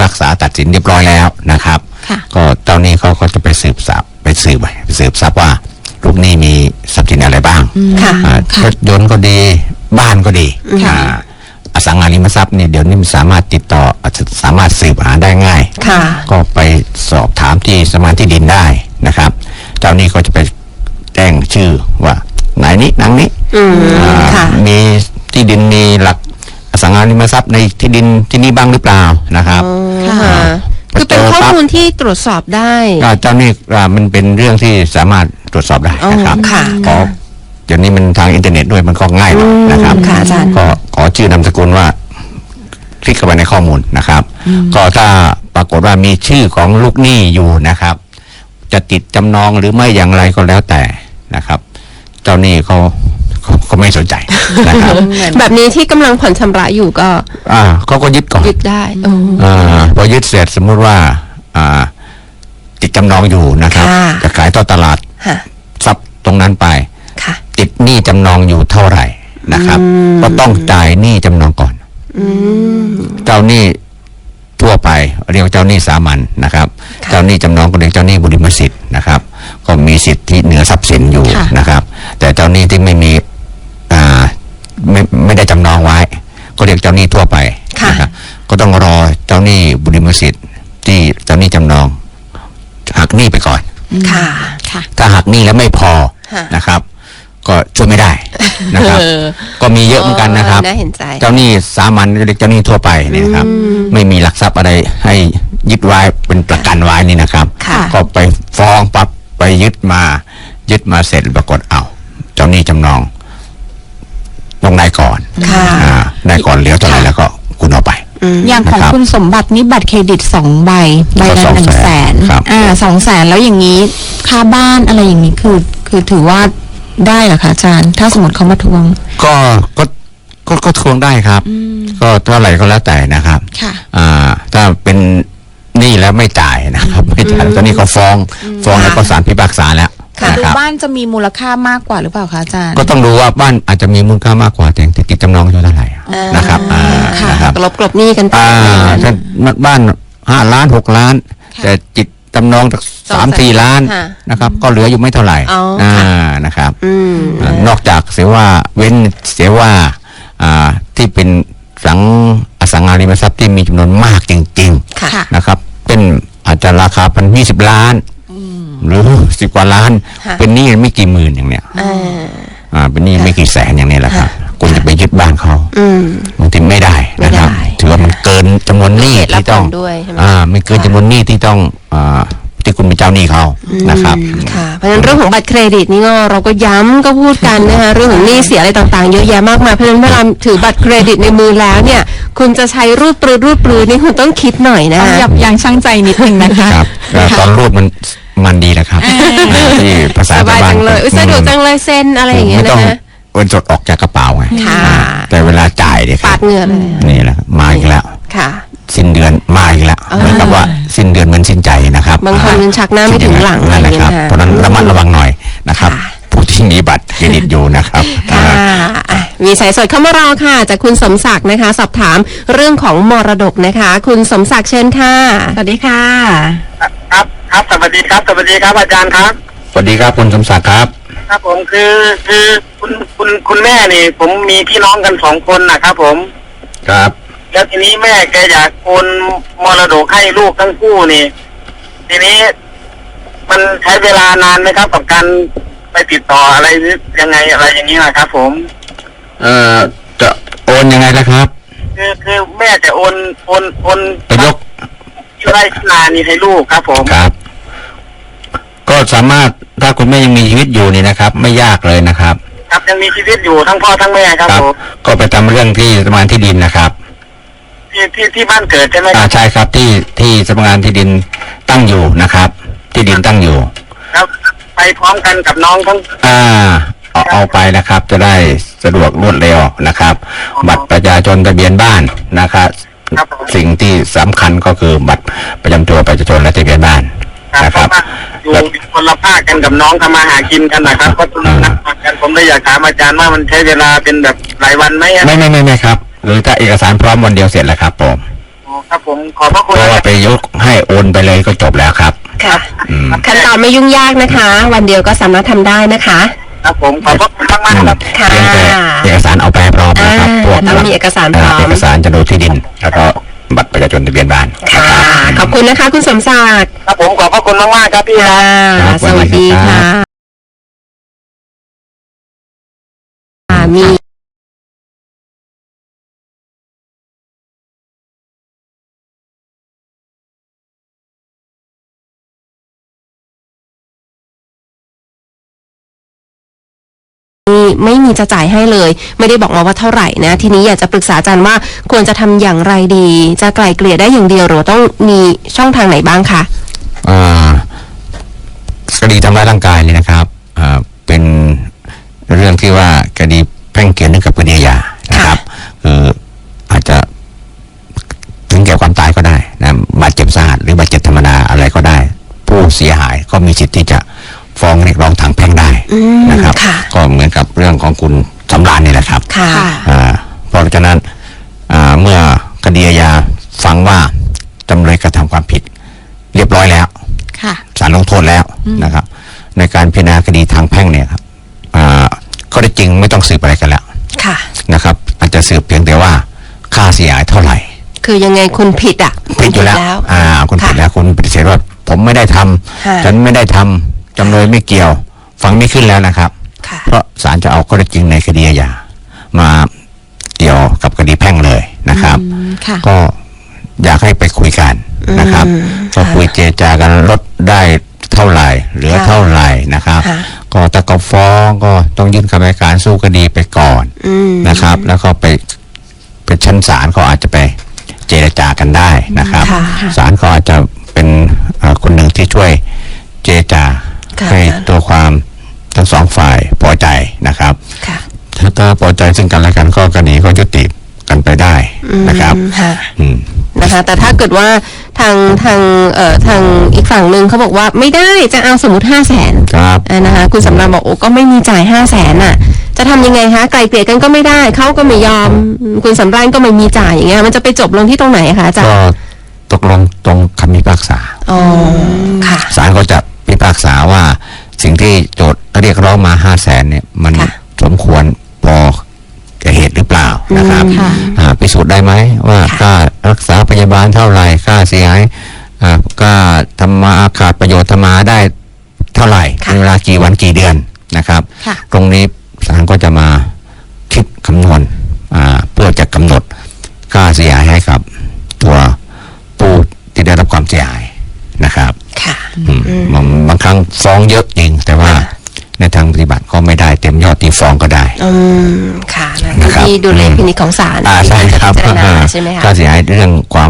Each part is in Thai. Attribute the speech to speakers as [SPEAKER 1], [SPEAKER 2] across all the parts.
[SPEAKER 1] ากษาตัดสินเรียบร้อยแล้วนะครับก็เจ้าหนี้เขาก็จะไปสืบทรัพย์ว่าลูกหนี้มีทรัพย์สินอะไรบ้างรถยนต์ก็ดีบ้านก็ดีอสังหาริมทรัพย์เนี่ยเดี๋ยวนี้มันสามารถติดต่อสามารถสืบหาได้ง่ายก็ไปสอบถามที่สำนักงานที่ดินได้นะครับเจ้าหนี้ก็จะไปแจ้งชื่อว่านายนี้นางนี้มีที่ดินมีหลักอสังหาริมทรัพย์ในที่ดินที่นี่บ้างหรือเปล่านะครับ
[SPEAKER 2] คือเป็นข้อมูลที่ตรวจสอบได้
[SPEAKER 1] เจ้าหนี้มันเป็นเรื่องที่สามารถตรวจสอบได้นะครับเดี๋ยวนี้มันทางอินเทอร์เน็ตด้วยมันก็ง่ายนะครับก็ขอชื่อนามสกุลว่าคลิกเข้าไปในข้อมูลนะครับก็ถ้าปรากฏว่ามีชื่อของลูกหนี้อยู่นะครับจะติดจำนองหรือไม่อย่างไรก็แล้วแต่นะครับเจ้าหนี้เขาไม่สนใจนะครับ
[SPEAKER 2] แบบนี้ที่กำลังผ่อนชำระอยู่ก็
[SPEAKER 1] เขาก็ยึดก่อน
[SPEAKER 2] ยึดได้
[SPEAKER 1] พอยึดเสร็จสมมุติว่าติดจำนองอยู่นะครับจะขายต่อตลาดทรัพย์ตรงนั้นไปติดหนี้จำนองอยู่เท่าไหร่นะครับก็ต้องจ่ายหนี้จำนองก่อนเจ้าหนี้ทั่วไปเรียกเจ้าหนี้สามัญนะครับเจ้าหนี้จำนองก็เรียกเจ้าหนี้บุริมสิทธิ์นะครับก็มีสิทธิเหนือทรัพย์สินอยู่นะครับแต่เจ้าหนี้ที่ไม่มีไม่ได้จำนองไว้ก็เรียกเจ้าหนี้ทั่วไปนะครับก็ต้องรอเจ้าหนี้บุริมสิทธิ์ที่เจ้าหนี้จำนองหักหนี้ไปก่อนถ้าหักหนี้แล้วไม่พอนะครับก็ช่วยไม่ได้นะครับก็มีเยอะเหมือนกันนะครับเจ้าหนี้สามัญเรียกเจ้าหนี้ทั่วไปเนี่ยครับไม่มีหลักทรัพย์อะไรให้ยึดไว้เป็นประกันไว้นี่นะครับก็ไปฟ้องปั๊บไปยึดมาเสร็จปรากฏเจ้าหนี้จำนองต้องได้ก่อนได้ก่อนเหลือเท่าไหร่แล้วก็คุณเอาไป
[SPEAKER 3] อย่างของคุณสมบัตินี่บัตรเครดิต2 ใบละ100,000 200,000แล้วอย่างนี้ค่าบ้านอะไรอย่างนี้คือถือว่าได้เหรอคะอาจารย์ถ้าสมมติเขามาทวง
[SPEAKER 1] ก็ทวงได้ครับก็เท่าไหร่ก็แล้วแต่นะครับถ้าเป็นหนี้แล้วไม่จ่ายนะครับไม่จ่ายตอนนี้เขาฟ้องแล้วก็ศาลพิพากษาแล้ว
[SPEAKER 3] ดูบ้านจะมีมูลค่ามากกว่าหรือเปล่าคะอาจารย์
[SPEAKER 1] ก็ต้องดูว่าบ้านอาจจะมีมูลค่ามากกว่าแต่ติดจำนองอยู่เท่าไหร่นะครับ
[SPEAKER 2] กลบหนี้กันไป
[SPEAKER 1] ถ้าบ้าน5 ล้าน6 ล้านแต่จิตจำนองจาก3-4 ล้านนะครับก็เหลืออยู่ไม่เท่าไหร่นะครับนอกจากเสียว่าที่เป็นอสังหาริมทรัพย์ที่มีจำนวนมากจริงๆนะครับเป็นอาจจะราคา20 ล้านหรือ10 กว่าล้านเป็นหนี้ไม่กี่หมื่นอย่างเนี้ยเป็นหนี้ไม่กี่แสนอย่างนี้แหละครับคุณจะไปยึดบ้านเขาบางทีไม่ได้นะครับถือว่ามันเกินจำนวนหนี้ที่ต้องไม่เกินจำนวนหนี้ที่ต้องที่คุณเป็นเจ้าหนี้เขานะครับ
[SPEAKER 2] เพราะฉะนั้นเรื่องของบัตรเครดิตนี่เราก็ย้ำก็พูดกันนะคะเรื่องของหนี้เสียอะไรต่างๆเยอะแยะมากมายเพราะฉะนั้นเวลาถือบัตรเครดิตในมือแล้วเนี่ยคุณจะใช้รูดปรือนี่คุณต้องคิดหน่อยนะ
[SPEAKER 3] ยับยั้งชั่งใจนิดนึงนะคะ
[SPEAKER 1] ตอนรูดมันดีนะครับที่ภาษา
[SPEAKER 2] บ้านเลยสะดวกจังเลยเซ็นอะไรอย่างเงี้ยนะ
[SPEAKER 1] เงินสดออกจากกระเป๋าไงแต่เวลาจ่ายเนี่ย
[SPEAKER 2] ปาดเหงื่อเลย
[SPEAKER 1] นี่แหละมาอีกแล้วสิ้นเดือนมาอีกแล้วเหมือนกับว่าสิ้นเดือนเหมือนสิ้นใจนะครับ
[SPEAKER 2] บางคนชักหน้าไม่ถึงหลัง
[SPEAKER 1] นั่นแหละครับเพราะนั้นระมัดระวังหน่อยนะครับผู้ที่มีบัตรเครดิตอยู่นะครับ
[SPEAKER 2] มีสายสดเข้ามารอค่ะจากคุณสมศักดิ์นะคะสอบถามเรื่องของมรดกนะคะคุณสมศักดิ์เชิญค่ะ
[SPEAKER 3] สวัสดีค่ะ
[SPEAKER 4] ครับสวัสดีครับอาจารย์ครับ
[SPEAKER 1] สวัสดีครับคุณสมศักดิ์ครับ
[SPEAKER 4] ครับผมคือคุณแม่นี่ผมมีพี่น้องกัน2 คนนะครับผม
[SPEAKER 1] ครับ
[SPEAKER 4] แล้วทีนี้แม่แกอยากโอนมรดกให้ลูกทั้งคู่นี่ทีนี้มันใช้เวลานานไหมครับกับการไปติดต่ออะไรยังไงอะไรอย่างนี้นะครับผม
[SPEAKER 1] จะโอนยังไงล่ะครับ
[SPEAKER 4] คือแม่จะโอน
[SPEAKER 1] ไปยก
[SPEAKER 4] ไร่นานี่ให้ลูกครับผม
[SPEAKER 1] ครับก็สามารถถ้าคุณแม่ยังมีชีวิตอยู่นี่นะครับไม่ยากเลยนะครับ
[SPEAKER 4] ครับยังมีชีวิตอยู่ทั้งพ่อทั้งแม่ครับผม
[SPEAKER 1] ก็ไปทำเรื่องที่สำนักงานที่ดินนะครับ
[SPEAKER 4] ที่บ้านเกิดใช่ไหมครับ
[SPEAKER 1] ใช่ครับที่สำนักงานที่ดินตั้งอยู่นะครับที่ดินตั้งอยู่
[SPEAKER 4] ครับไปพร้อมกันกับน้องทั้ง
[SPEAKER 1] เอาไปนะครับจะได้สะดวกรวดเร็วนะครับบัตรประชาชนทะเบียนบ้านนะครับสิ่งที่สำคัญก็คือบัตรประจำตัวประชาชนและทะเบียนบ้านนะครับ
[SPEAKER 4] อยู่คนละภาคกันกับน้องทำมาหากินกันนะครับก็ต้องนัดกันผมเลยอยากถามอาจารย์ว่ามันใช้เวลาเป็นแบบหลายวันไหม
[SPEAKER 1] ไม่ครับหรือถ้าเอกสารพร้อมวันเดียวเสร็จแล้วครับผม
[SPEAKER 4] อ๋อครับผมขอบพระคุ
[SPEAKER 1] เพ
[SPEAKER 4] ณ
[SPEAKER 1] ราะว่าไปยกให้โอนไปเลยก็จบแล้วครับ
[SPEAKER 2] ค่ะ
[SPEAKER 1] อืม
[SPEAKER 2] ขั้นตอนไม่ยุ่งยากนะคะ วันเดียวก็สามารถทำได้นะคะ
[SPEAKER 4] ครับผมขอบพระคุณมากๆครับ
[SPEAKER 2] ค่ะ
[SPEAKER 1] เพียงแต่เอกสารเอาไปให้พร้อมนะครับพวก
[SPEAKER 2] ต้องมีเอกสารพร้อม
[SPEAKER 1] เอกสารโฉนดที่ดิน แล้วก็บัตรประชาชนทะเบียนบ้าน
[SPEAKER 2] ค่ะ ขอบคุณนะคะ คุณสมศักดิ์
[SPEAKER 4] ครับผมขอบพระคุณมากๆครับพี่ค
[SPEAKER 2] ค่ะ
[SPEAKER 4] รับ
[SPEAKER 2] สวัสดีค่ะมี ไม่มีจะจ่ายให้เลย ไม่ได้บอกมาว่าเท่าไหร่นะ ทีนี้อยากจะปรึกษาอาจารย์ว่าควรจะทำอย่างไรดี จะไกล่เกลี่ยได้อย่างเดียวหรือต้องมีช่องทางไหนบ้างคะ
[SPEAKER 1] คดีทำร้ายร่างกายเนี่ยนะครับเป็นเรื่องที่ว่าคดีแพ่งเกี่ยวเนื่องกับคดีอาญานะครับคืออาจจะถึงแก่ความตายก็ได้นะบาดเจ็บสาหัสหรือบาดเจ็บธรรมดาอะไรก็ได้ ผู้เสียหายก็มีสิทธิ์ที่จะฟ้องเรียกร้องทางแพ่งได้นะครับ ก็เหมือนกับเรื่องของคุณสำราญนี่แหละครับ
[SPEAKER 2] ค่ะ
[SPEAKER 1] เพราะฉะนั้นเมื่อคดีอาญาฟังว่าจำเลยกระทำความผิดเรียบร้อยแล้ว
[SPEAKER 3] ค่ะ
[SPEAKER 1] ศาลลงโทษแล้วนะครับ ในการพิจารณาคดีทางแพ่งเนี่ยครับข้อเท็จจริงไม่ต้องสืบอะไรกันแล้ว
[SPEAKER 2] ค่ะ
[SPEAKER 1] นะครับ อาจจะสืบเพียงแต่ว่าค่าเสียหายเท่าไหร่
[SPEAKER 2] คือยังไงคุณผิดอ่ะ
[SPEAKER 1] ผิดอยู่แล้วคุณผิดแล้วคุณปฏิเสธว่าผมไม่ได้ทำฉันไม่ได้ทำจำเลยไม่เกี่ยวฟังไม่ขึ้นแล้วนะครับ
[SPEAKER 2] ค่ะ
[SPEAKER 1] เพราะศาลจะเอาข้อเท็จจริงในคดีอาญามาเกี่ยวกับคดีแพ่งเลยนะครับ
[SPEAKER 3] ค่ะ
[SPEAKER 1] ก็อยากให้ไปคุยกันนะครับก็คุยเจรจากันลดได้เท่าไหร่เหลือเท่าไหร่นะครับ ก็ถ้าก็ฟ้องก็ต้องยื่นคำให้การสู้คดีไปก่อนนะครับ แล้วก็ไปชั้นศาลก็อาจจะไปเจรจากันได้นะครับศาลก็อาจจะเป็นคนหนึ่งที่ช่วยเจรจาให้ตัวความทั้งสองฝ่ายพอใจนะครับถ้าพอใจซึ่งกันและกันก็คดีก็ยุติกันไปได้นะครับ
[SPEAKER 2] นะคะแต่ถ้าเกิดว่าทางอีกฝั่งหนึ่งเขาบอกว่าไม่ได้จะเอาสมมติ500,000
[SPEAKER 1] ครับ
[SPEAKER 2] นะคะคุณสำราญบอกโอ้ก็ไม่มีจ่าย500,000น่ะจะทำยังไงคะไกลเกลี่ยกันก็ไม่ได้เขาก็ไม่ยอมคุณสำราญก็ไม่มีจ่ายอย่างเงี้ยมันจะไปจบลงที่ตรงไหนคะอาจารย์
[SPEAKER 1] ก็ตกลงตรงคำพิพากษา
[SPEAKER 2] ค่ะ
[SPEAKER 1] ศาลก็จะพิพากษาว่าสิ่งที่โจทย์เรียกร้องมา500,000เนี่ยมันสมควรพอเหตุหรือเปล่านะครับพิสูจน์ได้ไหมว่าค่ารักษาพยาบาลเท่าไหร่ค่าเสียหายค่าทำมาขาดประโยชน์ทำมาได้เท่าไหร่ในเวลากี่วันกี่เดือนนะครับตรงนี้ศาลก็จะมาคิดคำนวณเพื่อจะกำหนดค่าเสียหายให้กับตัวผู้ที่ได้รับความเสียหายนะครับบางครั้งฟ้องเยอะจริงแต่ว่าในทางปฏิบัติก็ไม่ได้เต็มยอดที่ฟ้องก็ได้
[SPEAKER 2] ค่ะที่ดูเลขพินิจของศาล
[SPEAKER 1] ใช่ครับ
[SPEAKER 2] ใช่ไหมคะ
[SPEAKER 1] ค่าเสียหายเรื่องความ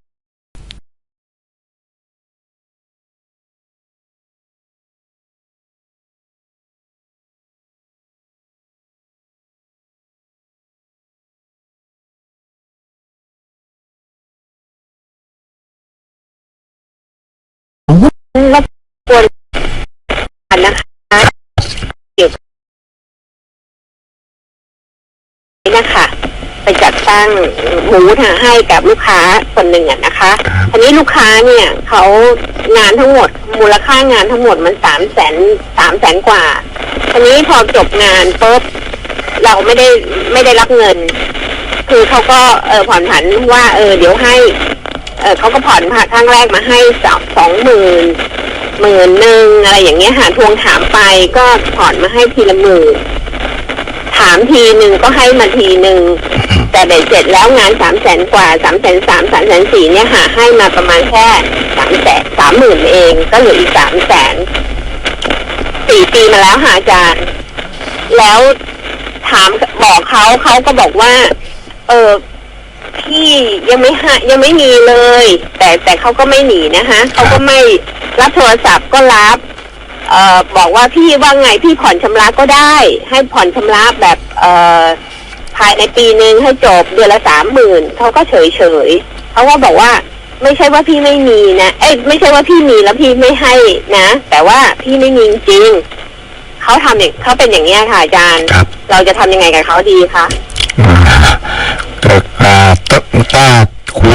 [SPEAKER 5] รบกวนนะคะเกี่ยวกับนี้นะคะไปจัดตั้งหมูให้กับลูกค้าคนหนึ่งนะคะทีนี้ลูกค้าเนี่ยเขางานทั้งหมดมูลค่างานทั้งหมดมัน300,000 กว่าทีนี้พอจบงานปุ๊บเราไม่ได้รับเงินคือเขาก็ผ่อนผันว่าเดี๋ยวให้เขาก็ผ่อนครั้งแรกมาให้20,000อะไรอย่างเงี้ยทวงถามไปก็ผ่อนมาให้ทีละ10,000ถามทีหนึ่งก็ให้มาทีหนึ่งแต่เบ็ดเสร็จแล้วงาน300,000 กว่า330,000 340,000เนี่ยให้มาประมาณแค่30,000เองก็เหลืออีก300,000 4 ปีมาแล้วอาจารย์แล้วถามบอกเขาก็บอกว่าพี่ยังไม่มีเลยแต่เขาก็ไม่หนีนะคะเขาก็ไม่รับโทรศัพท์ก็รับบอกว่าพี่ว่าไงพี่ผ่อนชำระก็ได้ให้ผ่อนชำระแบบภายในปีนึงให้จบเดือนละ30,000เขาก็เฉยเขาก็บอกว่าไม่ใช่ว่าพี่ไม่มีนะไม่ใช่ว่าพี่มีแล้วพี่ไม่ให้นะแต่ว่าพี่ไม่มีจริงเขาเป็นอย่างนี้ค่ะอาจารย์เราจะทำยังไงกับเขาดีคะ
[SPEAKER 1] ถ้าคุย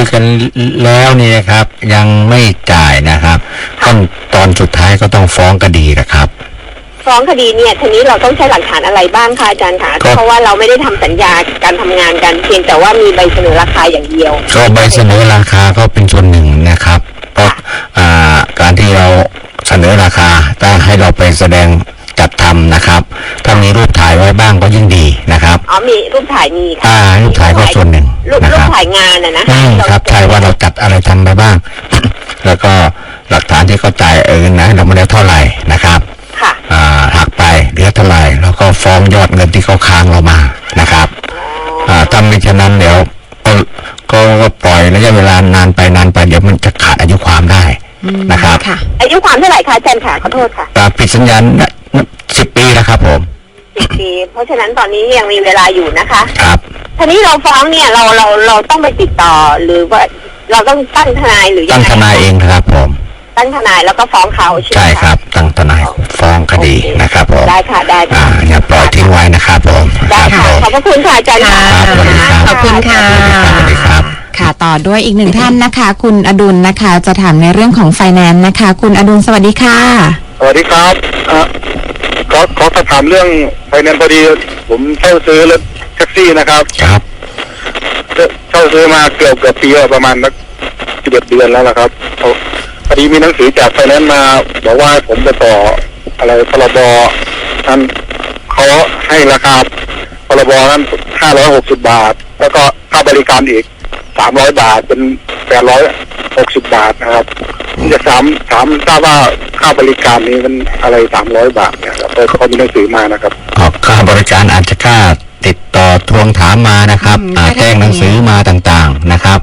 [SPEAKER 1] ยกันแล้วนี่นะครับยังไม่จ่ายนะครับตอนสุดท้ายก็ต้องฟ้องคดีนะครับ
[SPEAKER 5] ฟ้องคดีเนี่ยทีนี้เราต้องใช้หลักฐานอะไรบ้างคะอาจารย์คะเพราะว่าเราไม่ได้ทำสัญญาการทำงานกันเพียงแต่ว่ามีใบเสนอราคาอย่างเดียว
[SPEAKER 1] ก็ใบเสนอราคาก็เป็นส่วนหนึ่งนะครับเพราะการที่เราเสนอราคาถ้าให้เราไปแสดงจัดทำนะครับถ้ามีรูปถ่ายไว้บ้างก็ยิ่งดีนะครับ
[SPEAKER 5] มีรูปถ่ายมีค่ะ
[SPEAKER 1] รูปถ่ายก็ส่วนหนึ่ง
[SPEAKER 5] รูปถ่ายงาน
[SPEAKER 1] นะครับถ่ายว่าเราจัดอะไรทำไปบ้าง แล้วก็หลักฐานที่เขาจ่ายนะเราไม่ได้เท่าไหร่นะครับหักไปเหลือเท่าไหร่แล้วก็ฟ้องยอดเงินที่เขาค้างเรามานะครับถ้าไม่ฉะนั้นเดี๋ยวก็ปล่อยระยะเวลานานไปเดี๋ยวมันจะขาดอายุความได้นะครับ
[SPEAKER 5] อายุความเท่าไหร่คะอาจารย์ค่ะขอโทษค่ะ
[SPEAKER 1] ปิดสัญญา10 ปีแล้วครับผม
[SPEAKER 5] 10 ปีเพราะฉะนั้นตอนนี้ยังมีเวลาอยู่นะคะ
[SPEAKER 1] ครับ
[SPEAKER 5] ทีนี้เราฟ้องเนี่ยเราต้องไปติดต่อหรือว่าเราต้องตั้งทนายหรือ
[SPEAKER 1] ตั้งทนายเองครับผม
[SPEAKER 5] ตั้งทนายแล้วก็ฟ้องเขา
[SPEAKER 1] ใช่ครับตั้งทนายฟ้องคดีนะครับผม
[SPEAKER 5] ได้ค่ะ
[SPEAKER 1] อย่าปล่อยทิ้งไว้นะครับผม
[SPEAKER 5] ได้ค่ะขอบพระคุณค่ะอาจารย์ค่ะ
[SPEAKER 2] ขอบคุณค่ะ
[SPEAKER 1] สวัสดีครับ
[SPEAKER 3] ค่ะต่อด้วยอีกหนึ่งท่านนะคะคุณอดุลนะคะจะถามในเรื่องของไฟแนนซ์นะคะคุณอดุลสวัสดีค่ะ
[SPEAKER 6] สวัสดีครับขอถามเรื่องไฟแนนซ์พอดีผมเช่าซื้อรถแท็กซี่นะครับ
[SPEAKER 1] ครับ
[SPEAKER 6] เช่าซื้อมาเกือบปีประมาณสัก11 เดือนแล้วนะครับพอดีมีหนังสือจากไฟแนนซ์มาบอกว่าผมจะต่ออะไรพรบนั้นเขาให้ราคาพรบนั้น560 บาทแล้วก็ค่าบริการอีก300 บาทเป็น860 บาทนะครับจะถามทราบว่าค่าบริการนี้มันอะไร300 บาทเนี่ยครับเขามีหนังสือมานะครับ
[SPEAKER 1] ค่าบริการอาจจะค่าติดต่อทวงถามมานะครับแจ้งหนังสือมาต่างๆนะครับ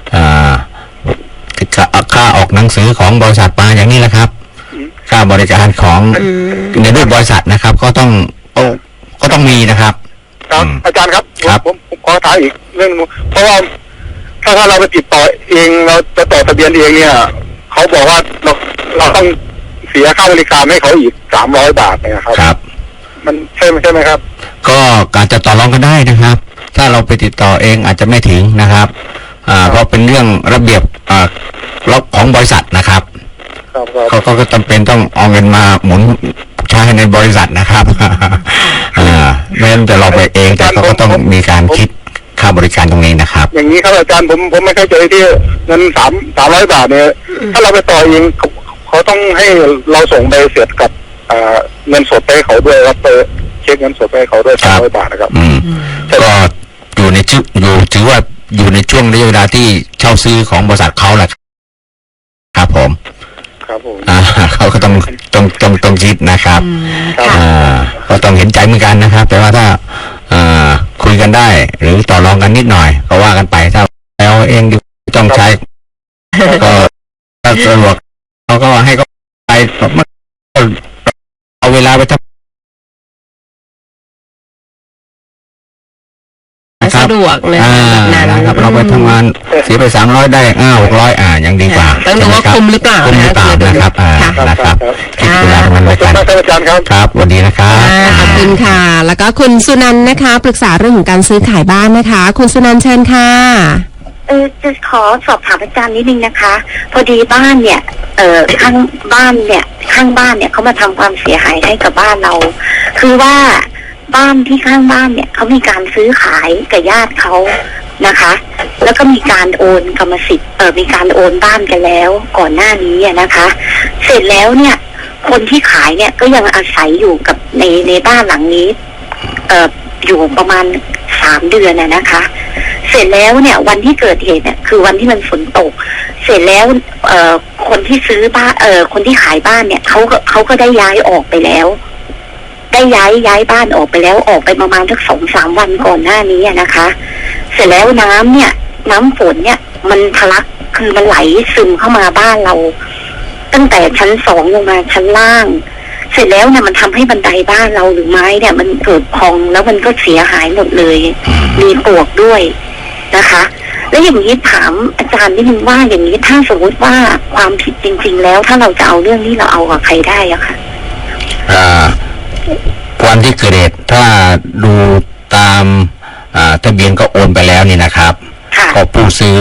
[SPEAKER 1] ค่าออกหนังสือของบริษัทมาอย่างนี้แหละครับค่าบริการของในรูปบริษัทนะครับก็ต้องมีนะครับ
[SPEAKER 6] ครับอาจารย์ครับผมขอถามอีกเรื่องเพราะว่าถ้าเราไปติดต่อเองเราจะต่อทะเบียนเองเนี่ยเขาบอกว่าเราต้องเสียค่าบริการให้เขาอีก300 บาทนะครับ
[SPEAKER 1] ครับ
[SPEAKER 6] มันใช่ไหมครับ
[SPEAKER 1] ก็การจะต่อรองก็ได้นะครับถ้าเราไปติดต่อเองอาจจะไม่ถึงนะครับเพราะเป็นเรื่องระเบียบล็อกของบริษัทนะครับเขาก็จำเป็นต้องเอาเงินมาหมุนใช้ในบริษัทนะครับไม่งั้นจะเราไปเองแต่เขาก็ต้องมีการคิดค่าบริการตรงนี้นะครับ
[SPEAKER 6] อย่างนี้ครับอาจารย์ผมไม่เข้าใจที่เงิน300 บาทเนี่ยถ้าเราไปต่อเองเขาต้องให้เราส่งใบเสร็จกับเงินสดไปให้เขาด้วยครับไปเช็คเงินสดไปให้เขาด้วย300 บาทนะครับ
[SPEAKER 1] ก็อยู่ในถือว่าอยู่ในช่วงระยะเวลาที่เช่าซื้อของบริษัทเขาแหละครับผมเขาก็ต้องคิดนะครับก็ต้องเห็นใจเหมือนกันนะครับแต่ว่าถ้าคุยกันได้หรือต่อรองกันนิดหน่อยก็ว่ากันไปถ้าแล้วเองต้องใช้ก็ถ้าสะดวกเขาก็ให้เขาไปเอาเวลาไปทำ
[SPEAKER 2] สะดวกเลยแบบนั้น
[SPEAKER 1] เราไปทำงานเสียไป300ได้600ยังดีกว่า
[SPEAKER 2] ต้องดูว่าคุ้มหรือเปล่า
[SPEAKER 1] นะครับนะครับคิดเวลามันเลยกันครับวันนี้นะครับ
[SPEAKER 2] ขอบคุณค่ะแล้วก็คุณสุนันท์นะคะปรึกษาเรื่องของการซื้อขายบ้านนะคะคุณสุนันท์เชิญค่ะ
[SPEAKER 7] จะขอสอบถามอาจารย์นิดนึงนะคะพอดีบ้านเนี่ยข้างบ้านเนี่ยเขามาทำความเสียหายให้กับบ้านเราคือว่าบ้านที่ข้างบ้านเนี่ยเขามีการซื้อขายกับญาติเขานะคะแล้วก็มีการโอนกรรมสิทธิ์มีการโอนบ้านกันแล้วก่อนหน้านี้นะคะเสร็จแล้วเนี่ยคนที่ขายเนี่ยก็ยังอาศัยอยู่กับในบ้านหลังนี้อยู่ประมาณ3 เดือนนะคะเสร็จแล้วเนี่ยวันที่เกิดเหตุเนี่ยคือวันที่มันฝนตกเสร็จแล้วคนที่ซื้อบ้านคนที่ขายบ้านเนี่ยเขาก็ได้ย้ายออกไปแล้วได้ย้ายบ้านออกไปแล้วออกไปประมาณสัก2-3 วันก่อนหน้านี้นะคะเสร็จแล้วน้ำฝนเนี่ยมันทะลักคือมันไหลซึมเข้ามาบ้านเราตั้งแต่ชั้น2ลงมาชั้นล่างเสร็จแล้วเนี่ยมันทำให้บันไดบ้านเราหรือไม้เนี่ยมันเกิดพองแล้วมันก็เสียหายหมดเลยมีปลวกด้วยนะคะแล้วอย่างนี้ถามอาจารย์นิดนึงว่าอย่างนี้ถ้าสมมติว่าความผิดจริงๆแล้วถ้าเราจะเอาเรื่องนี้เราเอากับใครได้อะค่ะ
[SPEAKER 1] วันที่เกิดเหตุถ้าดูตามทะเบียนก็โอนไปแล้วนี่นะครับก็ผู้ซื้อ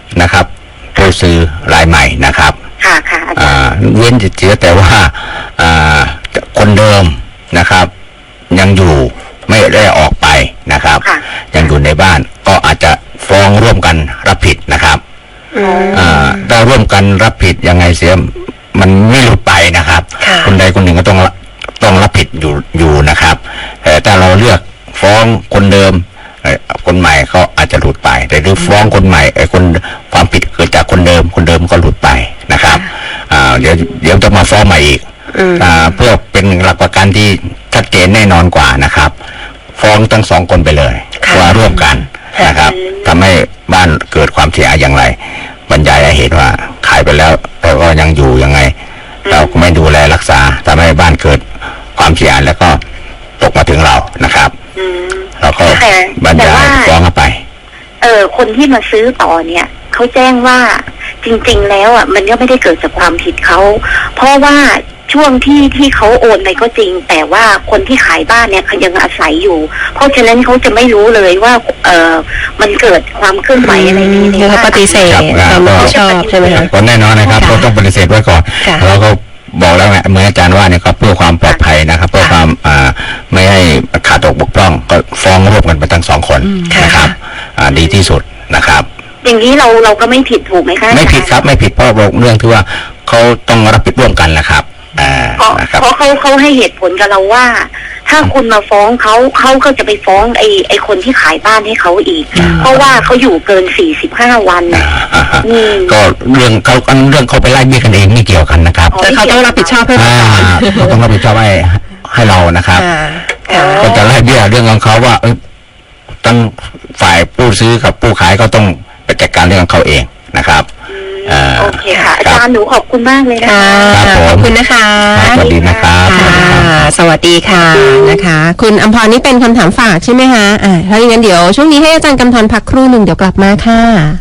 [SPEAKER 1] นะครับผู้ซื้อรายใหม่นะครับ
[SPEAKER 7] ค่ะค่ะอาจารย์
[SPEAKER 1] เว้นเสียแต่ว่าคนเดิมนะครับยังอยู่ไม่ได้ออกไปนะครับยังอยู่ในบ้านก็อาจจะฟ้องร่วมกันรับผิดนะครับถ้าร่วมกันรับผิดยังไงเสียมันไม่หลุดไปนะครับคนใดคนหนึ่งก็ต้องรับผิดอยู่นะครับแต่ถ้าเราเลือกฟ้องคนเดิมคนใหม่ก็อาจจะหลุดไปแต่หรือฟ้องคนใหม่คนความผิดเกิดจากคนเดิมก็หลุดไปนะครับเดี๋ยวจะมาฟ้องใหม่อีกเพื่อเป็นหลักประกันที่ชัดเจนแน่นอนกว่านะครับฟ้องทั้งสองคนไปเลยว่าร่วมกันนะครับทำให้บ้านเกิดความเสียหายอย่างไรบรรยายให้เห็นว่าขายไปแล้วแต่ก็ยังอยู่ยังไงเราก็ไม่ดูแลรักษาทำให้บ้านเกิดความเสียหายแล้วก็ตกมาถึงเรานะครับเราก็บรรยายฟ้องไป
[SPEAKER 7] คนที่มาซื้อต่อเนี่ยเขาแจ้งว่าจริงๆแล้วอ่ะมันก็ไม่ได้เกิดจากความผิดเขาเพราะว่าช่วงที่เขาโอนไปก็จริงแต่ว่าคนที่ขายบ้านเนี่ยเขายังอาศัยอยู่เพราะฉะนั้นเขาจะไม่รู้เลยว่ามันเกิดความเคลื่อนไหวอะไรนี้
[SPEAKER 2] เขาปฏิเสธความรับผิดชอบใช่ไหมคะ
[SPEAKER 1] ก็แน่นอนนะครับเราต้องปฏิเสธไว้ก่อนเราก็บอกแล้วไงเหมือนอาจารย์ว่าเนี่ยครับเพื่อความปลอดภัยนะครับเพื่อความไม่ให้ขาดตกบกพร่องก็ฟ้องร่วมกันไปทั้งสองคนนะครับดีที่สุดนะครับ
[SPEAKER 7] อย่างนี้เราก็ไม่ผิดถูกไหมคะ
[SPEAKER 1] ไม่ผิดครับไม่ผิดเพราะเรื่องที่ว่าเขาต้องรับผิดร่วมกันแหละครับ
[SPEAKER 7] เพราะเขาให้เหตุผลกับเราว่าถ้าคุณมาฟ้องเขาก็จะไปฟ้องไอ้คนที่ขายบ้านให้เขาอีกเพราะว่าเขาอยู่เกิน45 วัน
[SPEAKER 1] ก็เรื่องเขาไปไล่เบี้ยกันเองไม่เกี่ยวกันนะครับ
[SPEAKER 2] แต่เขาต้องรับผิดชอบให้
[SPEAKER 1] เขาต้องรับผิดชอบให้เรานะครับก็จะไล่เบี้ยเรื่องของเขาว่าตั้งฝ่ายผู้ซื้อกับผู้ขายก็ต้องไปจัดการเรื่องของเขาเองนะครับ
[SPEAKER 7] โอเคค่ะอาจารย์หนูขอบคุณมากเลยนะคะ
[SPEAKER 2] ขอบคุณนะคะ
[SPEAKER 1] สวัสดีนะครับ
[SPEAKER 2] สวัสดีค่ะนะคะคุณอำพรนี่เป็นคำถามฝากใช่ไหมคะถ้าอย่างนั้นเดี๋ยวช่วงนี้ให้อาจารย์กำธรพักครู่หนึ่งเดี๋ยวกลับมาค่ะ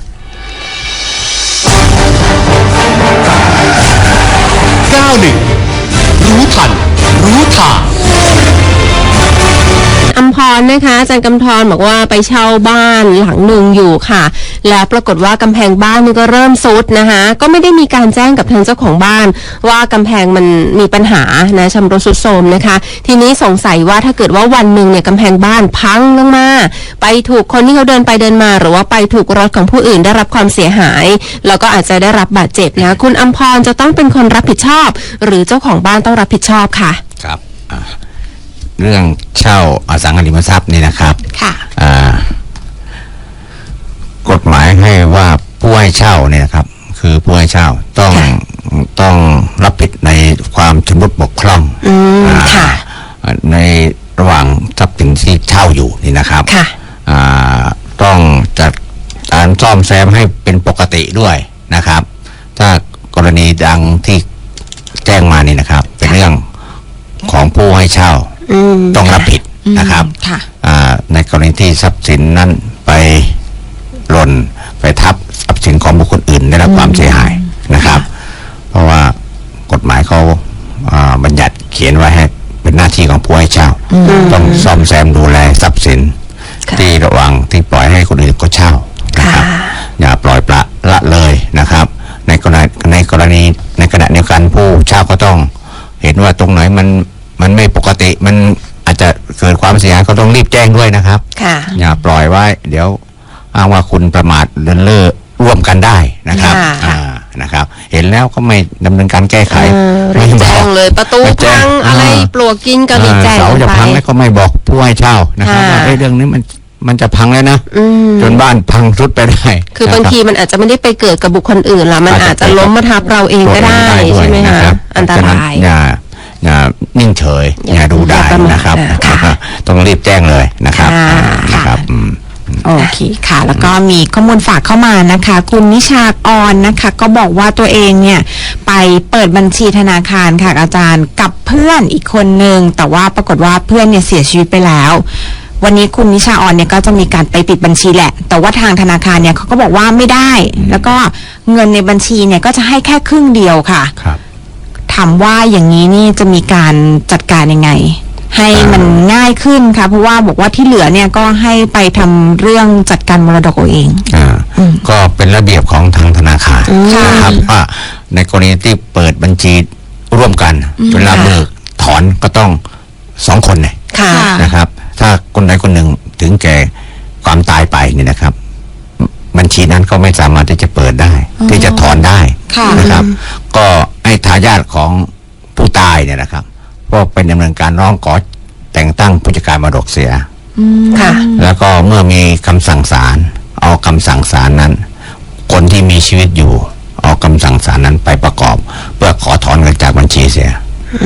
[SPEAKER 8] 91รู้ทันรู้ทาง
[SPEAKER 2] อำพรนะคะอาจารย์กำธรบอกว่าไปเช่าบ้านหลังหนึ่งอยู่ค่ะแล้วปรากฏว่ากำแพงบ้านนี่ก็เริ่มซุดนะคะก็ไม่ได้มีการแจ้งกับทางเจ้าของบ้านว่ากำแพงมันมีปัญหานะชำรุดทรุดโทรมนะคะทีนี้สงสัยว่าถ้าเกิดว่าวันหนึ่งเนี่ยกำแพงบ้านพังลงมาไปถูกคนที่เขาเดินไปเดินมาหรือว่าไปถูกรถของผู้อื่นได้รับความเสียหายแล้วก็อาจจะได้รับบาดเจ็บนะคุณอำพรจะต้องเป็นคนรับผิดชอบหรือเจ้าของบ้านต้องรับผิดชอบค่ะ
[SPEAKER 1] ครับเรื่องเช่าอสังหาริมทรัพย์นี่นะครับ
[SPEAKER 2] ค่ะ
[SPEAKER 1] กฎหมายให้ว่าผู้ให้เช่าเนี่ยนะครับคือผู้ให้เช่าต้องรับผิดในความชำรุดบกพร่องในระหว่างทรัพย์สินที่เช่าอยู่นี่นะครับต้องจัดการซ่อมแซมให้เป็นปกติด้วยนะครับถ้ากรณีดังที่แจ้งมานี่นะครับเป็นเรื่องของผู้ให้เช่าต้องรับผิดนะครับในกรณีที่ทรัพย์สินนั้นไปหล่นไปทับทรัพย์สินของบุคคลอื่นได้รับความเสียหายนะครับเพราะว่ากฎหมายเขาบัญญัติเขียนไว้ให้เป็นหน้าที่ของผู้ให้เช่าต้องซ่อมแซมดูแลทรัพย์สินที่ระวังที่ปล่อยให้คนอื่นก็เช่านะครับอย่าปล่อยปละเลยนะครับในกรณีในขณะเดียวกันผู้เช่าก็ต้องเห็นว่าตรงไหนมันไม่ปกติมันอาจจะเกิดความเสียหายก็ต้องรีบแจ้งด้วยนะครับอย่าปล่อยไว้เดี๋ยวอ้างว่าคุณประมาทเลินเล่อร่วมกันได้นะครับนะครับเห็นแล้วก็ไม่ดำเนินการแก้ไข
[SPEAKER 2] ไม่แจ้งเลยประตูพังอะไรปลวกกินก็รีบแจ้ง
[SPEAKER 1] เสาจะพังแล้วก็ไม่บอกผู้ให้เช่านะครับว่าเรื่องนี้มันจะพังแล้วนะจนบ้านพังทรุดไปได้
[SPEAKER 2] คือบางทีมันอาจจะไม่ได้ไปเกิดกับบุคคลอื่นละมันอาจจะล้มมาทับเราเองก็ได้ใช่ไหมคะอันตราย
[SPEAKER 1] อย่านิ่งเฉยอย่าดูได้นะครับต้องรีบแจ้งเลยนะครับ
[SPEAKER 3] โอเคค่ะแล้วก็มีข้อมูลฝากเข้ามานะคะคุณนิชากรนะคะก็บอกว่าตัวเองเนี่ยไปเปิดบัญชีธนาคารค่ะอาจารย์กับเพื่อนอีกคนนึงแต่ว่าปรากฏว่าเพื่อนเนี่ยเสียชีวิตไปแล้ววันนี้คุณนิชาออนเนี่ยก็จะมีการไปปิดบัญชีแหละแต่ว่าทางธนาคารเนี่ยเขาก็บอกว่าไม่ได้แล้วก็เงินในบัญชีเนี่ยก็จะให้แค่ครึ่งเดียวค่ะถามว่าอย่างนี้นี่จะมีการจัดการยังไงให้มันง่ายขึ้นค่ะเพราะว่าบอกว่าที่เหลือเนี่ยก็ให้ไปทำเรื่องจัดการมรดกเอาเอง
[SPEAKER 1] ก็เป็นระเบียบของทางธนาคารนะครับว่าในกรณีที่เปิดบัญชีร่วมกันเวลาเบิกถอนก็ต้อง2 คนเนี่ยนะครับถ้าคนใดคนหนึ่งถึงแก่ความตายไปเนี่ยนะครับบัญชีนั้นก็ไม่สามารถที่จะเปิดได้ที่จะถอนได้นะครับก็ให้ทายาทของผู้ตายเนี่ยนะครับก็เป็นดำเนินการร้องขอแต่งตั้งผู้จัดการมรดกเสียแล้วก็เมื่อมีคำสั่งศาลเอาคำสั่งศาลนั้นคนที่มีชีวิตอยู่เอาคำสั่งศาลนั้นไปประกอบเพื่อขอถอนเงินจากบัญชีเสีย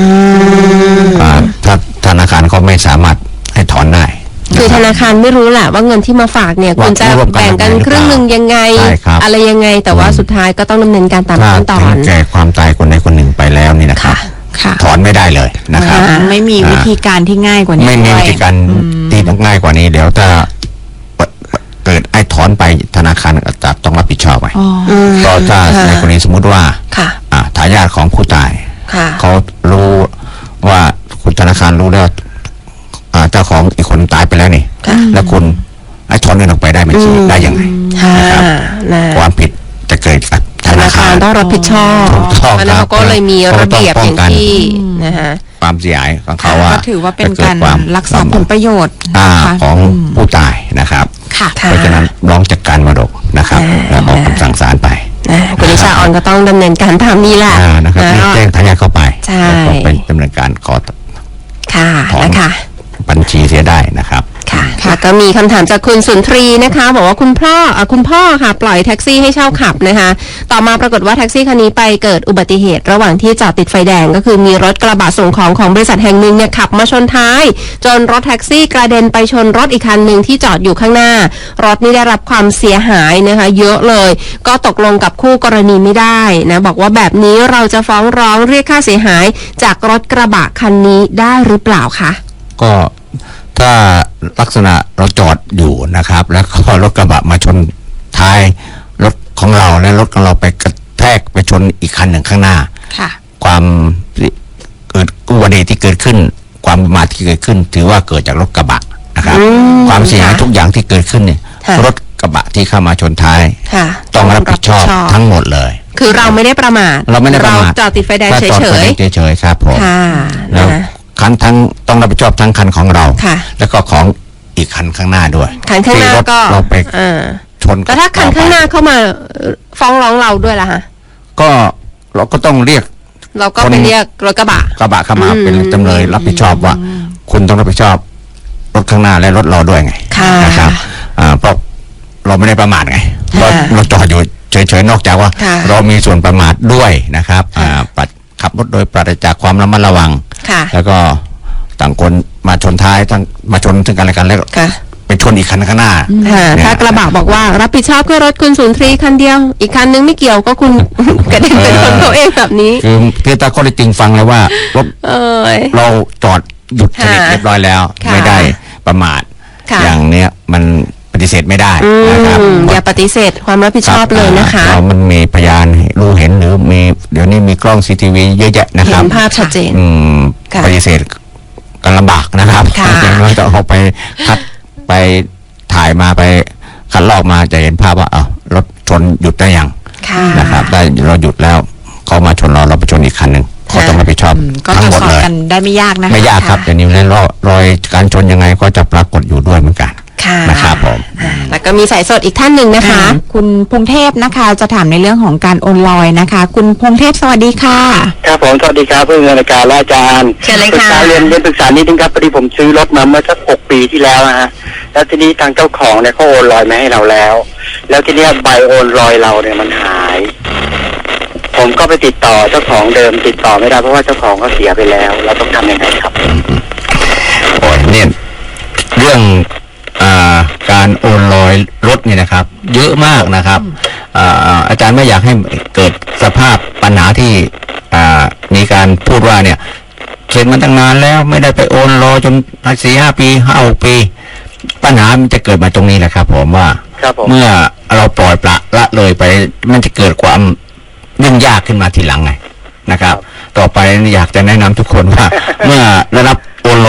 [SPEAKER 1] ถ้าธนาคารก็ไม่สามารถให้ถอนได้
[SPEAKER 2] คือธนาคารไม่รู้แหละว่าเงินที่มาฝากเนี่ยคุณจะแบ่งกันครึ่งหนึ่งยังไงอะไรยังไงแต่ว่าสุดท้ายก็ต้องดำเนินการตามขั้นตอน
[SPEAKER 1] ถึงแก่ความตายคนใดคนหนึ่งไปแล้วนี่นะครับถอนไม่ได้เลยนะครับ
[SPEAKER 3] ไม่มีวิธีการที่ง่ายกว่านี้
[SPEAKER 1] ไม่มีวิธีการที่ง่ายกว่านี้เดี๋ยวถ้าเกิดไอ้ถอนไปธนาคารจะต้องรับผิดชอบไปก็ถ้าในกรณีสมมุติว่าทายาทของผู้ตายเขารู้ว่าคุณธนาคารรู้แล้วเจ้าของอีกคนตายไปแล้วนี่แล้วคุณไอ้ถอนเงินออกไปได้ไม่ใช่ได้ยังไงนะครับความผิดจะเกิดกับธนาคาร
[SPEAKER 2] ต้องรับผิดชอบแล้วเขาก็เลยมีระเบียบอย่างที่นะคะ
[SPEAKER 1] ความเสียหายของเขาว่า
[SPEAKER 3] ถือว่าเป็นการรักษาผลประโยชน์
[SPEAKER 1] ของผู้ตายนะครับเพราะฉะนั้นร้องจัดการมรดกนะครับแล้วออกคำสั่งศาลไป
[SPEAKER 2] คุณนิชาออนก็ต้องดำเนินการตามนี้แหละ
[SPEAKER 1] นะครับแจ้งทายาทเข้าไปแล้วก็เป็นดำเนินการขอถอนบัญชีเสียได้นะครับ
[SPEAKER 2] ค่ะแล้วก็มีคำถามจากคุณสุนทรีนะคะบอกว่าคุณพ่อค่ะปล่อยแท็กซี่ให้เช่าขับนะคะต่อมาปรากฏว่าแท็กซี่คันนี้ไปเกิดอุบัติเหตุระหว่างที่จอดติดไฟแดงก็คือมีรถกระบะส่งของของบริษัทแห่งหนึ่งเนี่ยขับมาชนท้ายจนรถแท็กซี่กระเด็นไปชนรถอีกคันหนึ่งที่จอดอยู่ข้างหน้ารถนี่ได้รับความเสียหายนะคะเยอะเลยก็ตกลงกับคู่กรณีไม่ได้นะบอกว่าแบบนี้เราจะฟ้องร้องเรียกค่าเสียหายจากรถกระบะคันนี้ได้หรือเปล่าคะ
[SPEAKER 1] ก็ถ้าลักษณะเราจอดอยู่นะครับแล้วก็รถกระบะมาชนท้ายรถของเราและรถของเราไปกระแทกไปชนอีกคันหนึ่งข้างหน้าความเกิดอุบัติเหตุที่เกิดขึ้นความประมาทที่เกิดขึ้นถือว่าเกิดจากรถกระบะนะครับความเสียหายทุกอย่างที่เกิดขึ้นเนี่ยรถกระบะที่เข้ามาชนท้ายต้องรับผิดชอบทั้งหมดเลย
[SPEAKER 2] คือเราไม่ได้ประมาท
[SPEAKER 1] เรา
[SPEAKER 2] จอดติดไฟแดงเฉ
[SPEAKER 1] ยๆครับผมแล้วคันทั้งต้องรับผิดชอบทั้งคันของเราแล้วก็ของอีกคันข้างหน้าด้วย
[SPEAKER 2] คันข้างหน้าก็
[SPEAKER 1] เราไปชน
[SPEAKER 2] แต่ถ้าคันข้างหน้าเข้ามาฟ้องร้องเราด้วยล่ะฮะ
[SPEAKER 1] ก็เราก็ต้องเรียก
[SPEAKER 2] เราก็ไปเรียกรถกระบะ
[SPEAKER 1] เข้ามาเป็นจำเลยรับผิดชอบว่าคุณต้องรับผิดชอบรถข้างหน้าและรถเราด้วยไงนะครับเพราะเราไม่ได้ประมาทไงเราจอดอยู่เฉยๆนอกจากว่าเรามีส่วนประมาทด้วยนะครับขับรถโดยปราศจากความระมัดระวังแล้วก็ต่างคนมาชนท้ายทั้งมาชนซึ่งกันและกันแล้วไปชนอีกคันข้างหน้า
[SPEAKER 2] ถ้ากระบะบอกว่ารับผิดชอบแค่รถคุณสุนทรีคันเดียวอีกคันนึงไม่เกี่ยวก็คุณกระเด็นเป็นคนเขาเองแบบนี้
[SPEAKER 1] คือตาข้อได้จริงฟังเลยว่ารถเราจอดหยุดสนิทเรียบร้อยแล้วไม่ได้ประมาทอย่างเนี้ยมันปฏิเสธไม่ได้นะครับ
[SPEAKER 2] อย่าปฏิเสธความรับผิดชอบเลยนะคะ
[SPEAKER 1] เรามันมีพยานรู้เห็นหรือมีเดี๋ยวนี้มีกล้อง CCTV เยอะแยะนะครับ
[SPEAKER 2] เห็นภาพชัดเจน
[SPEAKER 1] ปฏิเสธกันลำบากนะครับเราจะเอาไปคัดไปถ่ายมาไปคัดลอกมาจะเห็นภาพว่ารถชนหยุดได้ยังนะครับได้เราหยุดแล้วเขามาชนเราไปชนอีกคันหนึ่งเขาต้องรับผิดชอบทั้งหมดเลย
[SPEAKER 3] ได้ไม่ยากนะ
[SPEAKER 1] ไม่ยากครับเดี๋ยวนี้แล้วรอยการชนยังไงก็จะปรากฏอยู่ด้วยเหมือนกันนะครับผม
[SPEAKER 2] แล้วก็มีสายสดอีกท่านหนึ่งนะคะ
[SPEAKER 3] คุณพงเทพนะคะจะถามในเรื่องของการโอนลอยนะคะคุณพงเทพสวัสดีค่ะ
[SPEAKER 9] ครับผมสวัสดีครับเพื่อนรายการอาจารย์
[SPEAKER 2] เชิญเลยค่ะ
[SPEAKER 9] เรียนปรึกษานิดนึงครับพอดีผมซื้อรถมาเมื่อสัก6 ปีที่แล้วนะฮะแล้วทีนี้ทางเจ้าของเนี่ยเขาโอนลอยมาให้เราแล้วทีนี้ใบโอนลอยเราเนี่ยมันหายผมก็ไปติดต่อเจ้าของเดิมติดต่อไม่ได้เพราะว่าเจ้าของเขาเสียไปแล้วเราต้องทำยังไงครับ
[SPEAKER 1] โอ้ยเนี่ยเรื่องการโอนลอยรถเนี่ยนะครับเยอะมากนะครับอาจารย์ไม่อยากให้เกิดสภาพปัญหาที่มีการพูดว่าเนี่ยเซ็นมาตั้งนานแล้วไม่ได้ไปโอนรอจน4-5 ปี5-6 ปีปัญหามันจะเกิดมาตรงนี้แหละครับผมว่าเมื่อเราปล่อยปละเลยไปมันจะเกิดความยุ่งยากขึ้นมาทีหลังไงนะครับต่อไปอยากจะแนะนำทุกคนว่าเมื่อได้รับโอนลอย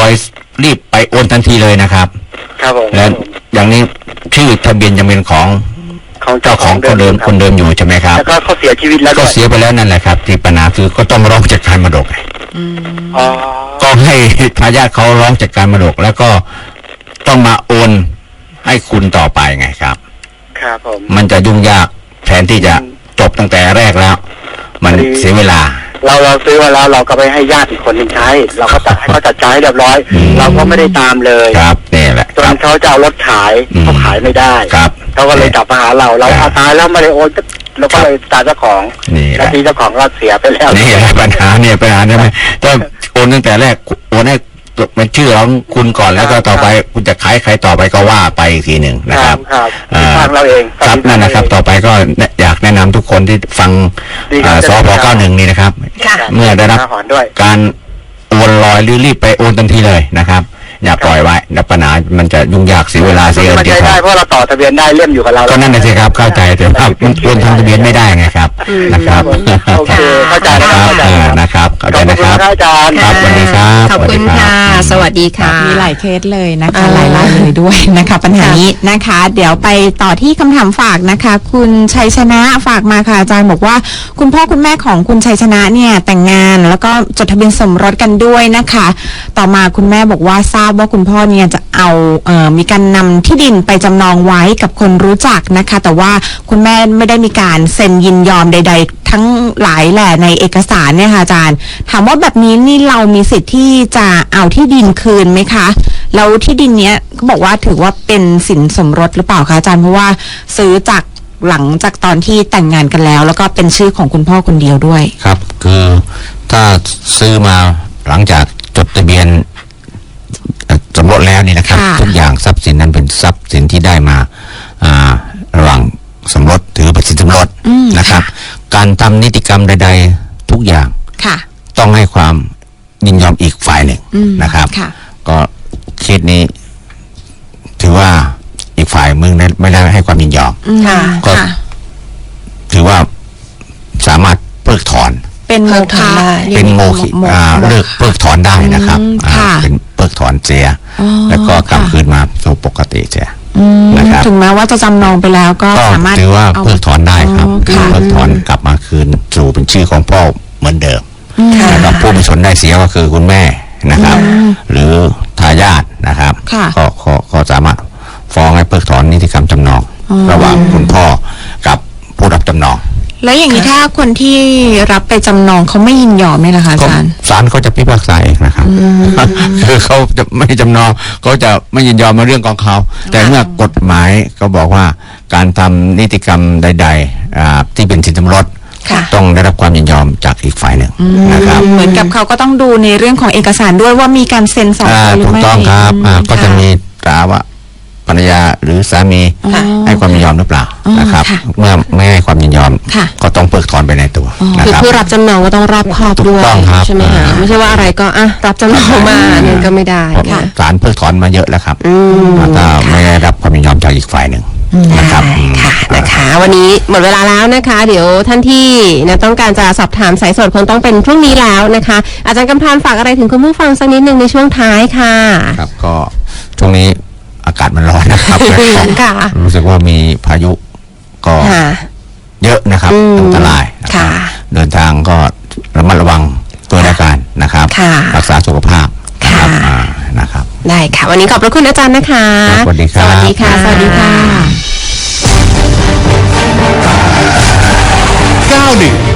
[SPEAKER 1] อยรีบไปโอนทันทีเลยนะครับ
[SPEAKER 9] ครับผม
[SPEAKER 1] และอย่างนี้ชื่อทะเบียนยังเป็นของเจ้าของคนเดิมอยู่ใช่ไหมครับ
[SPEAKER 9] แล้วก็เขาเสียชีวิตแล้ว
[SPEAKER 1] ก็เสียไปแล้วนั่นแหละครับที่ปัญหาคือก็ต้องร้องจัดการมรดก
[SPEAKER 9] อ๋อ
[SPEAKER 1] ก็ให้ทายาทเขาร้องจัดการมรดกแล้วก็ต้องมาโอนให้คุณต่อไปไงครับ
[SPEAKER 9] ครับผม
[SPEAKER 1] มันจะยุ่งยากแทนที่จะจบตั้งแต่แรกแล้ว มันเสียเวลา
[SPEAKER 9] เราซื้อมาแล้วเราก็ไปให้ญาติอีกคนหนึ่งใช้ เราก็จัดให้เขาจัดใช้เรียบร้อย เราก็ไม่ได้ตามเลย
[SPEAKER 1] ครับนี่แหละ
[SPEAKER 9] จนเขาจะเอารถขายเขาขายไม่ได้
[SPEAKER 1] ครับ
[SPEAKER 9] เขาก็เลยกลับมาหาเราเอาตายแล้วไม่ได้โอนเราก็เลยตามเจ้าของ
[SPEAKER 1] นี่แห
[SPEAKER 9] แล้ว
[SPEAKER 1] ละ
[SPEAKER 9] ทีเจ้าของก็เสียไปแล้ว
[SPEAKER 1] นี่แหละปัญหาใช่ไหมถ้าโอนตั้งแต่แรกโอนให้เป็นชื่อของคุณก่อนแล้วก็ต่อไปคุณจะขายใครต่อไปก็ว่าไปอีกทีหนึ่งนะครับ
[SPEAKER 9] ครับทางเราเอง
[SPEAKER 1] ครับนั่นนะครับต่อไปก็อยากแนะนำทุกคนที่ฟังสพ91นี่นะครับ เมื่อได้รับการโอนลอยหรือรีบไปโอนทันทีเลยนะครับ อย่าปล่อยไว้แล้วปัญหามันจะยุ่งยากเสียเวลาเสียเงิน
[SPEAKER 9] มัน
[SPEAKER 1] เสีย
[SPEAKER 9] ใช้
[SPEAKER 1] ทอ
[SPEAKER 9] ได้
[SPEAKER 1] ง
[SPEAKER 9] เพราะเราต่อทะเบียนได้เล่มอยู่กับเรา
[SPEAKER 1] ก็นั่นน่ะสิครับเข้าใจแต่ว่ามันโอนทางทะเบียนไม่ได้ไงครับนะครับ
[SPEAKER 9] โอเคเข้าใจนะ
[SPEAKER 1] ค
[SPEAKER 9] ค
[SPEAKER 1] รั
[SPEAKER 9] รั
[SPEAKER 1] บบ นะครับเข้าใจนะครับ
[SPEAKER 9] ขอบคุณครับอาจารย์
[SPEAKER 1] ครับสวัสดีครับ
[SPEAKER 2] ขอบคุณค่ะ สวัสดีค่ะ
[SPEAKER 3] มีหลายเคสเลยนะคะหลายรายเลยด้วยนะคะปัญหานี้นะคะ เดี๋ยวไปต่อที่คำถามฝากนะคะ คุณชัยชนะฝากมาค่ะอาจารย์บอกว่าคุณพ่อคุณแม่ของคุณชัยชนะเนี่ยแต่งงานแล้วก็จดทะเบียนสมรสกันด้วยนะคะ ต่อมาคุณแม่บอกว่าทราบว่าคุณพ่อเนี่ยจะเอามีการนำที่ดินไปจำนองไว้กับคนรู้จักนะคะ แต่ว่าคุณแม่ไม่ได้มีการเซ็นยินยอมใด ๆ ทั้งหลายแหละในเอกสารเนี่ยค่ะอาจารย์ถามว่าแบบนี้นี่เรามีสิทธิ์ที่จะเอาที่ดินคืนไหมคะแล้วที่ดินเนี้ยก็บอกว่าถือว่าเป็นสินสมรสหรือเปล่าคะอาจารย์เพราะว่าซื้อจากหลังจากตอนที่แต่งงานกันแล้วแล้วก็เป็นชื่อของคุณพ่อคนเดียวด้วย
[SPEAKER 1] ครับคือถ้าซื้อมาหลังจากจดทะเบียนสมรสแล้วนี่นะครับทุกอย่างทรัพย์สินนั้นเป็นทรัพย์สินที่ได้มาระหว่างสมรสถือเป็นสินสมรสนะครับ การทำนิติกรรมใดๆทุกอย่างต้องให้ความยินยอมอีกฝ่ายหนึ่งนะครับก็เคสนี้ถือว่าอีกฝ่ายมึงไม่ได้ให้ความยินยอมก็ถือว่าสามารถเพิกถอน
[SPEAKER 3] เป็นโมฆะ
[SPEAKER 1] เป็นโมฆะเลิกเพิกถอนได้นะครับเป็นเพิกถอนเสียแล้วก็กลับคืนมาสู่ปกติเสียนะครับ
[SPEAKER 3] ถึงแม้ว่าจะจำนองไปแล้วก็สามารถ
[SPEAKER 1] ถือว่าเพิกถอนได้ครับเพิกถอนกลับมาคืนสู่เป็นชื่อของพ่อเหมือนเดิมแล้วผู้มีส่วนได้เสียก็คือคุณแม่นะครับ หรือทายาทนะครับก็สามารถฟ้องให้เพิกถอนนิติกรรมจำนองระหว่างคุณพ่อกับผู้รับจำนอง
[SPEAKER 3] แล้วอย่างนี้ถ้าคนที่รับไปจำนองเขาไม่ยินยอมนี่ล่ะคะอาจารย์
[SPEAKER 1] ศาลเขาจะพิพากษาเองนะครับคือเขาจะไม่จำนองเขาจะไม่ยินยอมในเรื่องของเขาแต่เมื่อกฎหมายก็บอกว่าการทำนิติกรรมใดๆที่เป็นสินสมรสต้องได้รับความยินยอมจากอีกฝ่ายหนึ่งนะครับ
[SPEAKER 3] เหมือนกับเขาก็ต้องดูในเรื่องของเอกสารด้วยว่ามีการเซ็นสองคนหรือไม่
[SPEAKER 1] ถูกต้องครับก็จะมีตราว่าภรรยาหรือสามีให้ความยินยอมหรือเปล่านะครับเมื่อไม่ให้ความยินยอมก็ต้องเพิกถอนไปในตัว
[SPEAKER 2] คือผู้รับจำนองก็ต้องรอบคอบด้วยใช่ไหมคะไม่ใช่ว่าอะไรก็รับจำนองมาเนี่ยก็ไม่ได้
[SPEAKER 1] ศาลเพิกถอนมาเยอะแล้วครับถ้าไม่ได้รับความยินยอมจากอีกฝ่ายหนึ่งนะครับ
[SPEAKER 2] ค่ะนะคะวันนี้หมดเวลาแล้วนะคะเดี๋ยวท่านที่ต้องการจะสอบถามสายสดคงต้องเป็นพรุ่งนี้แล้วนะคะอาจารย์กำธรฝากอะไรถึงคุณผู้ฟังสักนิดนึงในช่วงท้ายค่ะ
[SPEAKER 1] ครับก็ช่วงนี้อากาศมันร้อนนะครับรู้สึกว่ามีพายุก็เยอะนะครับอันตรายเดินทางก็ระมัดระวังตัวในการนะครับรักษาสุขภาพนะครับ
[SPEAKER 2] ได้ค่ะวันนี้ขอบพระคุณอาจารย์นะคะ
[SPEAKER 1] สวัสดีครับ
[SPEAKER 2] สวัสดีค่ะสวัสดีค่ะ
[SPEAKER 8] 91